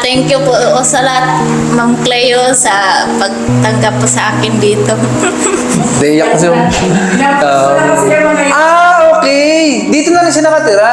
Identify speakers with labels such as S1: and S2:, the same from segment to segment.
S1: Thank you po sa lahat, Ma'am Cleo, sa pagtanggap po sa akin dito.
S2: Naiyak kasi yung... okay! Dito na lang siya nakatira.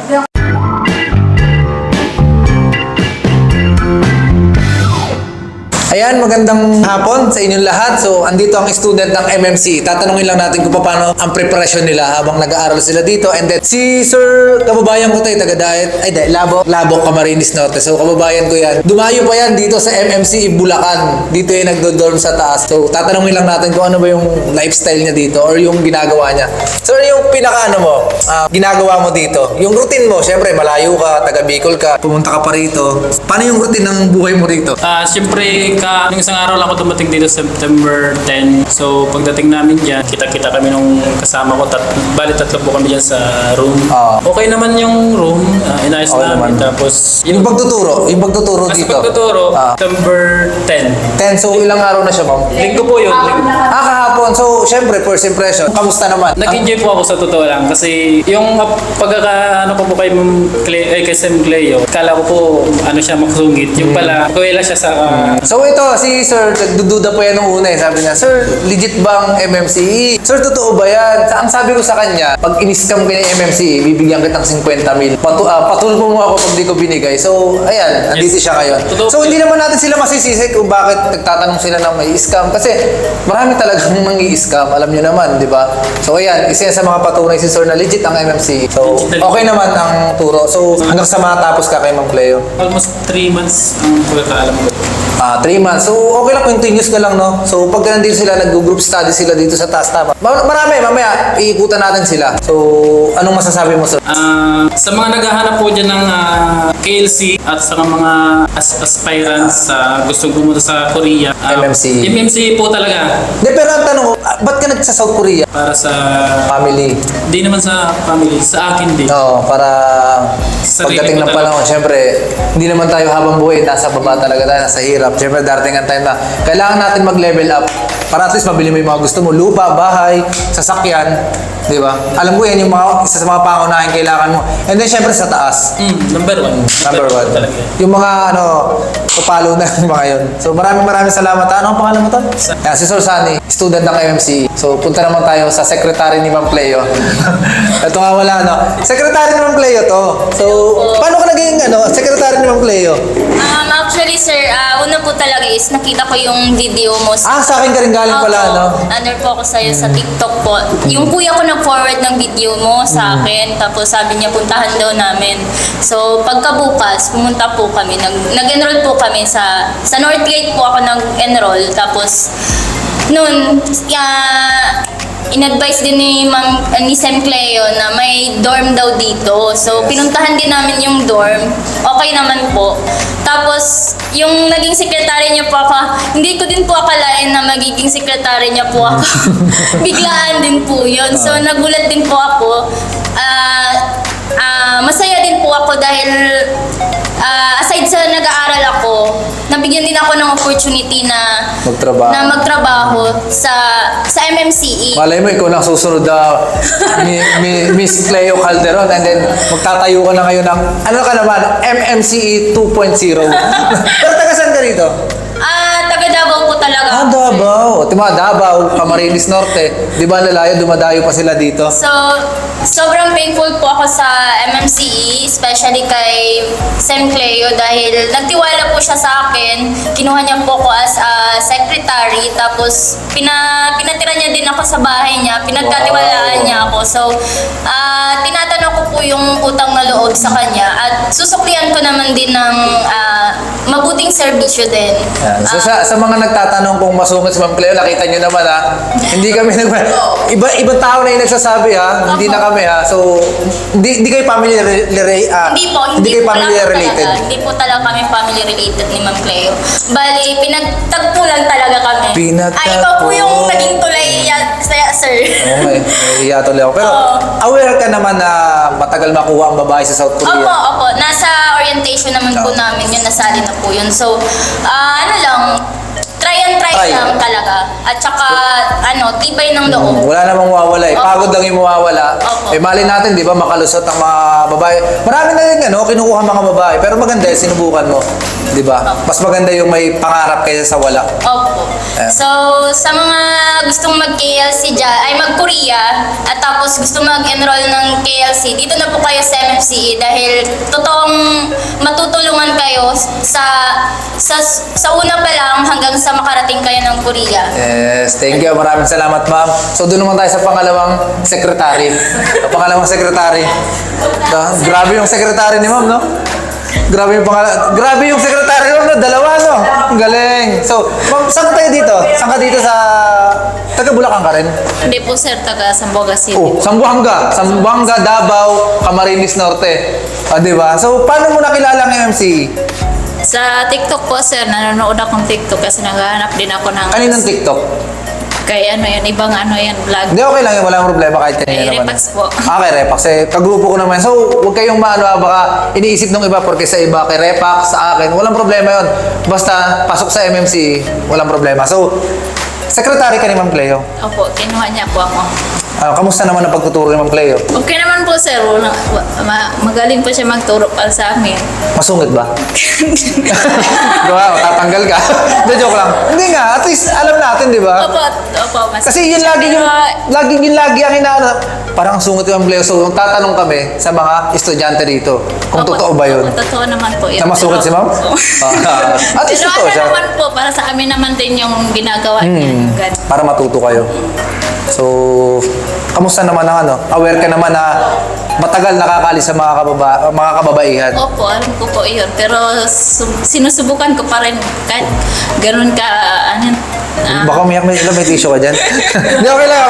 S2: Ayan, magandang hapon sa inyong lahat. So, andito ang student ng MMC. Tatanungin lang natin kung paano ang preparation nila habang nag-aaral sila dito. And then, si Sir, kababayan ko tayo, taga-diet. Labo, Camarines Norte. So, kababayan ko yan. Dumayo pa yan dito sa MMC Bulacan. Dito yung nagdo-dorm sa taas. So, tatanungin lang natin kung ano ba yung lifestyle niya dito or yung ginagawa niya. Sir, yung ginagawa mo dito? Yung routine mo, syempre, malayo ka, taga-Bicol ka, pumunta ka pa rito. Paano yung routine ng buhay mo rito?
S3: Siyempre, nung isang araw lang ako dumating dito September 10. So, pagdating namin dyan, kita-kita kami nung kasama ko. Bali, tatlo po kami dyan sa room. Okay naman yung room. Inayos
S2: Okay
S3: namin.
S2: naman.
S3: Tapos,
S2: Yung pagtuturo dito.
S3: pagtuturo, September 10.
S2: 10, so ilang araw na siya, ma'am?
S3: Linggo po yun.
S2: Kahapon. So, syempre, first impression. Kamusta naman?
S3: Nag-enjoy po ako sa totoo lang kasi yung pagkakaano ko po kay kay Sam Cleo, kala ko po siya makusungit. Yung pala, kuwela siya sa
S2: So, ito, si Sir, nagdududa po yan nung una eh. Sabi niya, Sir, legit bang MMCE? Sir, totoo ba yan? Ang sabi ko sa kanya, pag in-scam ka ng MMCE, bibigyan kitang 50 mil. Patulpo mo ako pag di ko binigay. So, ayan, nandito siya ngayon. So, hindi naman natin sila masisisi kung bakit nagtatanong sila ng may scam. Kasi, marami talagang mangi-scam. Alam niyo naman, di ba? So, ayan, isa yan sa mga patunay si Sir na legit ang MMCE. So, okay naman ang turo. So, hanggang sa matapos ka kay Ma'am Cleo.
S3: almost 3 months ang pagkakaalam ko.
S2: 3 months. So, okay lang, continuous ka lang, no? So, pag nandito sila, nag-group study sila dito sa taas, tama? Marami, mamaya, iikutan natin sila. So, anong masasabi mo, Sir?
S3: Sa mga naghahanap po dyan ng KLC at sa mga aspirants sa gustong pumunta sa Korea.
S2: MMC.
S3: MMC po talaga.
S2: De, pero ang tanong ko, ba't ka nagsa South Korea?
S3: Para sa...
S2: Family.
S3: Di naman sa family, sa akin din.
S2: No, para
S3: Sarili
S2: pagdating
S3: ko
S2: ng
S3: talaga.
S2: panahon, syempre, hindi naman tayo habang buhay, nasa baba talaga tayo, nasa hirap. Syempre, darating ang time na kailangan natin mag-level up para at least mabili mo yung mga gusto mo. Lupa, bahay, sasakyan, di ba? Alam ko yan yung isa sa mga pangunahing kailangan mo. And then, syempre, sa taas.
S3: Number one.
S2: Number one.
S3: Talaga.
S2: Yung mga papalo na yung mga yun. So maraming salamat. Ano ang pangalan mo to? Yan, si Sir Sunny, student ng MMC. So punta naman tayo sa secretary ni Ma'am Cleo. Ito nga wala, no? Secretary ni Ma'am Cleo to. So, paano ka naging secretary ni Ma'am Cleo?
S1: Actually, sir, una po talaga is nakita ko yung video mo.
S2: Sa akin ka rin galing pala, no?
S1: Under po ako sa'yo sa TikTok po. Yung kuya ko nag-forward ng video mo sa akin. Tapos sabi niya, puntahan daw namin. So, pagkabukas, pumunta po kami. Nag-enroll po kami sa Northgate po ako nag-enroll. Tapos, noon, in-advise din ni Sam Cleo na may dorm daw dito. So, pinuntahan din namin yung dorm. Okay naman po. Tapos, yung naging sekretary niya po ako, hindi ko din po akalain na magiging sekretary niya po ako. Biglaan din po yun. So, nagulat din po ako. Masaya din po ako dahil aside sa nag-aaral ako, nabigyan din ako ng opportunity na magtrabaho sa MMCE.
S2: Malay mo, ikaw lang susunod na Miss Cleo Calderon and then magtatayo ka na ngayon ng, ka naman, MMCE 2.0. Pero taga saan ka rito?
S1: Taga Davao po talaga.
S2: Davao. Davao, Camarines Norte. Di ba lalayo, dumadayo pa sila dito?
S1: So, sobrang thankful po ako sa MMCE, especially kay Sam Cleo dahil nagtiwala po siya sa akin. Kinuha niya po ako as a secretary, tapos pinatira niya din ako sa bahay niya, pinagkatiwalaan niya ako. So, tinatanong ko po yung utang na loob sa kanya at susuklian ko naman din ng mabuting serbisyo din.
S2: Yan. So sa mga nagtatanong kung masungit si Ma'am Cleo, nakita nyo naman hindi kami ibang tao na yung nagsasabi hindi na kami So hindi kayo family
S1: Hindi
S2: kayo family related.
S1: Hindi po talaga kami family related ni Ma'am Cleo. Bali, pinagtagpo lang talaga kami. Ikaw po yung naging tulay sir.
S2: Okay, iya tuloy ako. Pero aware ka naman na matagal makuha ang babae sa South Korea?
S1: Opo. Nasa orientation naman po namin yun, nasali na po yun. So, try lang talaga. At saka, tibay ng loob.
S2: Wala namang mawawala Pagod lang yung mawawala. Mali natin, di ba, makalusot ang mga babae. Marami na rin, kinukuha mga babae. Pero maganda sinubukan mo. Di ba? Mas maganda yung may pangarap kaysa sa wala.
S1: Opo. So, sa mga gustong mag-KLC dyan, ay mag-Korea, at tapos gusto mag-enroll ng KLC, dito na po kayo sa MMCE dahil totoong matutulungan kayo sa una pa lang hanggang sa makarating kayo ng Korea.
S2: Yes, thank you. Maraming salamat, ma'am. So, doon naman tayo sa pangalawang sekretary. Pangalawang sekretary. Grabe yung sekretary ni ma'am, no? Grabe yung sekretary mo, no? Dalawa, no? Ang galing. So, ma'am, saan ka tayo dito? Saan ka dito sa... Taga Bulacan ka rin?
S4: Hindi po sir, taga Zamboanga City.
S2: Oh, Zamboanga. Zamboanga, Davao, Camarines Norte. Di ba? So, paano mo nakilala ang MMC?
S4: Sa TikTok po sir, nanonood akong TikTok kasi naghahanap din ako ng...
S2: Kaninang TikTok?
S4: Kay ano yan, ibang ano yan, vlog.
S2: Hindi, okay lang yun. Walang problema kahit kanina
S4: Kay
S2: naman.
S4: Repax po.
S2: Kay Repax. Kagrupo ko naman. So, huwag kayong baka iniisip ng iba porque sa iba, kay Repax, sa akin, walang problema yun. Basta, pasok sa MMC, walang problema. So, sekretary ka ni Ma'am Cleo.
S4: Opo, kinuha niya po ako.
S2: Kamusta naman ang pagtuturo ni Ma'am Cleo?
S4: Okay naman po sir, magaling po siya magturo para sa amin.
S2: Masungit ba? Diba? Tatanggal ka? Hindi, joke lang. Hindi nga, at least alam natin, di ba?
S4: Opo, mas...
S2: Kasi yun lagi ang inaano. Parang ang sungit yung Cleo. So, tatanong kami sa mga estudyante dito kung totoo ba yun.
S4: Totoo naman po yun.
S2: Na masungit si Ma'am? At least
S4: Pero
S2: totoo
S4: ano
S2: siya.
S4: naman po, para sa amin naman din yung ginagawa niya. Ganun.
S2: Para matuto kayo. So, kamusta naman ang ano? Aware ka naman na matagal nakakaalis sa mga kababaihan.
S4: Opo, alam ko po yun. Pero sinusubukan ko pa rin kahit ganun ka,
S2: Baka umiyak may tissue ka dyan. Hindi, okay lang.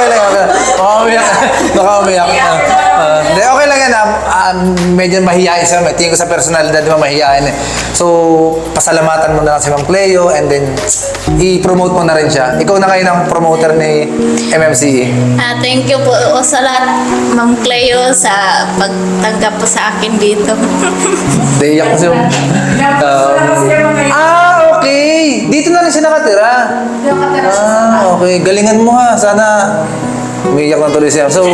S2: Baka umiyak. Hindi, okay lang yan. Medyo mahihain siya. Tingin ko sa personalidad, di ba mahihain eh. So, pasalamatan mo na lang si Ma'am Cleo and then i-promote mo na rin siya. Ikaw na ngayon ang promoter ni MMCE.
S4: thank you po sa lahat, Ma'am Cleo, sa pagtanggap po sa akin dito.
S2: Hindi, iyak kasi yung... okay. Dito na rin siya nakatira. Okay. Galingan mo ha. Sana umiiyak na tuloy siya. So,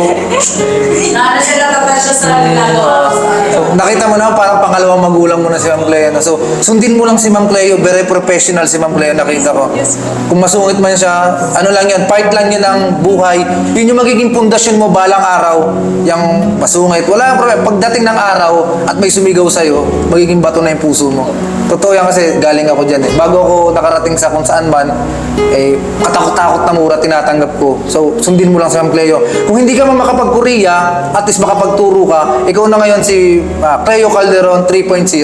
S2: nakita mo na parang pangalawang magulang mo na si Ma'am Cleo. No? So, sundin mo lang si Ma'am Cleo. Very professional si Ma'am Cleo, nakita ko. Kung masungit man siya, ano lang yan, part lang yun ng buhay. Yun yung magiging pundasyon mo balang araw. Yung masungit. Wala yung problema. Pagdating ng araw at may sumigaw sa'yo, magiging bato na yung puso mo. Totoo yan kasi galing ako dyan eh. Bago ako nakarating sa kung saan man, katakot-takot na mura tinatanggap ko. So, sundin mo lang si Ma'am Cleo. Kung hindi ka man makapag-Korea, at least makapagturo ka, ikaw na ngayon si Cleo Calderon 3.0. 2.0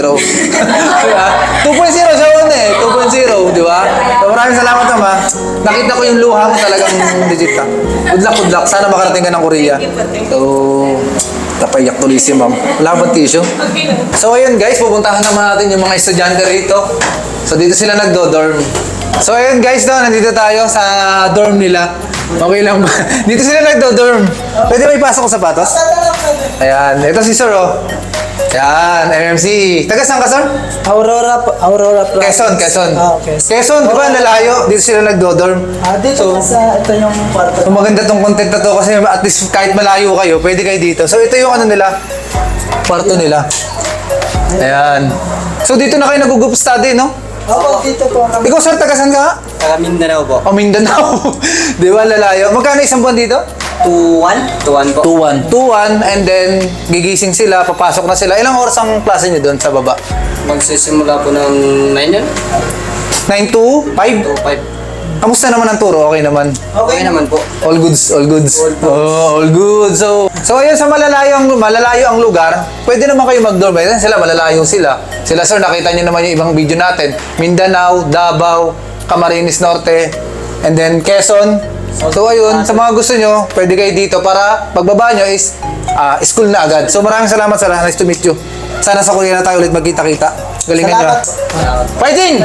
S2: siya una eh. 2.0, di ba? So, maraming salamat naman. Nakita ko yung luha mo talagang legit ka. Good luck. Sana makarating ka ng Korea. So, napaiyak tuloy si Ma'am. Wala bang tissue? So, ayun guys, pupuntahan naman natin yung mga estudyante rito. So, dito sila nagdo-dorm. So, ayun guys, nandito tayo sa dorm nila. Okay lang ba? Dito sila nagdo-dorm. Pwede ba ipasok ko sapatos? Ayan. Ito si Sir, oh. Ayan, MMC. Taga saan ka, Sir?
S5: Aurora Plaza.
S2: Quezon.
S5: Okay.
S2: Quezon, di ba nalayo? Dito sila nagdo-dorm.
S5: Dito sa ito yung kwarto.
S2: So, maganda tong content na to kasi at least kahit malayo kayo, pwede kayo dito. So, ito yung ano nila, kwarto nila. Ayan. So, dito na kayo nag-group study, no?
S5: Oo, dito po kami.
S2: Ikaw, Sir, taga saan ka?
S6: Taga Mindanao po.
S2: O, Mindanao. Di ba, lalayo? Magkano isang buwan dito?
S6: 2-1? 2-1 po.
S2: 2-1, and then gigising sila, papasok na sila. Ilang oras ang klase nyo doon sa baba?
S6: Magsisimula po ng 9 yun?
S2: 9 to 5?
S6: 2-5.
S2: Kamusta naman ang turo? Okay naman?
S6: Okay naman po.
S2: All goods. Oh, all good. So ayun, sa malalayo ang lugar, pwede naman kayo mag-dorm. Ayun sila, malalayo sila. Sila, Sir, nakita niyo naman yung ibang video natin. Mindanao, Davao, Camarines Norte, and then Quezon. So ayun, sa mga gusto nyo, pwede kayo dito para pagbaba nyo is school na agad. So maraming salamat, Sir. Nice to meet you. Sana sa Korea na tayo ulit magkita-kita. Galingan nyo. Fighting!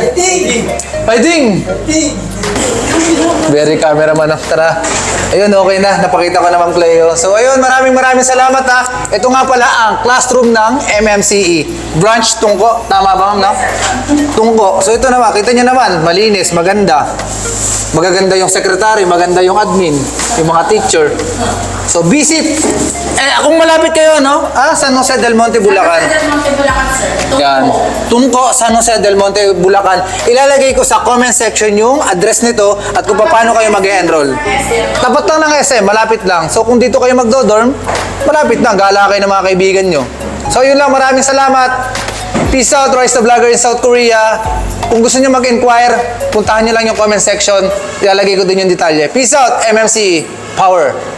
S2: Very cameraman of tara. Ayun, okay na. Napakita ko na Ma'am Cleo. So ayun, maraming salamat ha. Ito nga pala ang classroom ng MMCE. Branch Tungko. Tama ba, Ma'am? No? Tungko. So ito naman, kita nyo naman. Malinis, maganda. Magaganda yung secretary, maganda yung admin, yung mga teacher. So visit. Kung malapit kayo, no? San Jose del Monte, Bulacan. Yan. Tungko, San Jose del Monte, Bulacan. Ilalagay ko sa comment section yung address nito at kung paano kayo mag-enroll. Tapat lang ng SM, malapit lang. So kung dito kayo magdo-dorm, malapit lang. Gala kayo ng mga kaibigan nyo. So yun lang, maraming salamat. Peace out, Rise the Vlogger in South Korea. Kung gusto nyo mag-inquire, puntahan nyo lang yung comment section. Ilalagay ko din yung detalye. Peace out, MMC Power.